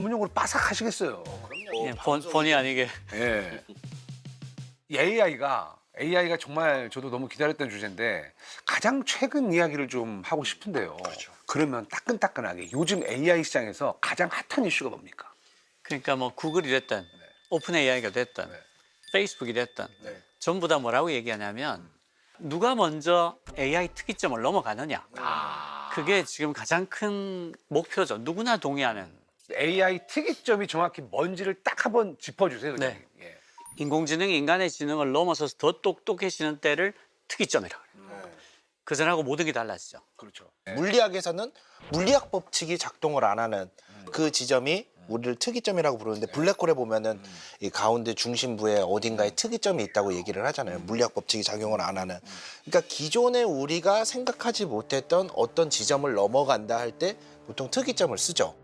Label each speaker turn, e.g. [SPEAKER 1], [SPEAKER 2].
[SPEAKER 1] 전문용어로 빠삭하시겠어요.
[SPEAKER 2] 예, 본의 아니게.
[SPEAKER 1] 예. 이 AI가 정말 저도 너무 기다렸던 주제인데 가장 최근 이야기를 좀 하고 싶은데요.
[SPEAKER 3] 그렇죠.
[SPEAKER 1] 그러면 따끈따끈하게 요즘 AI 시장에서 가장 핫한 이슈가 뭡니까?
[SPEAKER 2] 그러니까 뭐 구글이 됐든 오픈 AI가 됐든
[SPEAKER 1] 네.
[SPEAKER 2] 페이스북이 됐든
[SPEAKER 1] 네.
[SPEAKER 2] 전부 다 뭐라고 얘기하냐면 누가 먼저 AI 특이점을 넘어가느냐. 그게 지금 가장 큰 목표죠. 누구나 동의하는.
[SPEAKER 1] AI 특이점이 정확히 뭔지를 딱 한번 짚어주세요. 그냥.
[SPEAKER 2] 네.
[SPEAKER 1] 예.
[SPEAKER 2] 인공지능이 인간의 지능을 넘어서서 더 똑똑해지는 때를 특이점이라고 해요. 그전하고 모든 게 달라지죠.
[SPEAKER 1] 그렇죠.
[SPEAKER 3] 물리학에서는 물리학 법칙이 작동을 안 하는 그 지점이 우리를 특이점이라고 부르는데 블랙홀에 보면은 이 가운데 중심부에 어딘가에 특이점이 있다고 얘기를 하잖아요. 물리학 법칙이 작용을 안 하는. 그러니까 기존에 우리가 생각하지 못했던 어떤 지점을 넘어간다 할 때 보통 특이점을 쓰죠.